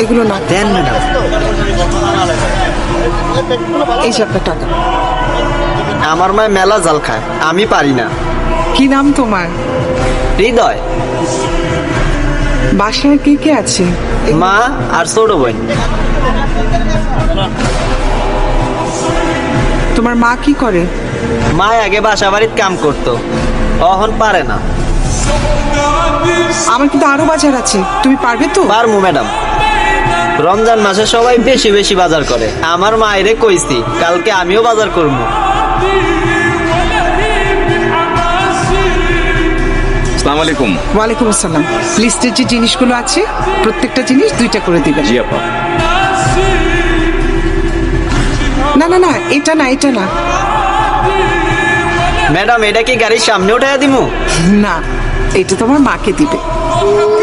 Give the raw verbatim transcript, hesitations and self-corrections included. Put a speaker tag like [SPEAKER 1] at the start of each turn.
[SPEAKER 1] এগুলো না।
[SPEAKER 2] দেন ম্যাডাম।
[SPEAKER 1] এই যে আপনার টাকা।
[SPEAKER 2] আমার মায় মেলা জাল খায়, আমি পারি না।
[SPEAKER 1] কি নাম তোমার?
[SPEAKER 2] হৃদয়।
[SPEAKER 1] বাসায় কে কে আছে?
[SPEAKER 2] মা আর ছোট বোন।
[SPEAKER 1] তোমার মা কি করে?
[SPEAKER 2] মা আগে বাসা বাড়ির কাম করতো, এখন পারে না।
[SPEAKER 1] আমার কিন্তু আরো বাজার আছে, তুমি পারবে তো?
[SPEAKER 2] পারমু ম্যাডাম। রমজান মাসে সবাই বেশি বেশি বাজার করে, আমার মায়েরে কইছি কালকে আমিও বাজার করবো।
[SPEAKER 3] আসসালামু আলাইকুম।
[SPEAKER 1] ওয়ালাইকুম আসসালাম। লিস্টের যে জিনিসগুলো আছে প্রত্যেকটা জিনিস দুইটা করে দিবেন।
[SPEAKER 3] জি আপা।
[SPEAKER 1] না না না, এটা না, এটা না।
[SPEAKER 2] ম্যাডাম এটা কি গাড়ির সামনে উঠাইয়া দিমু?
[SPEAKER 1] না, এটা তোমার মাকে দিবে।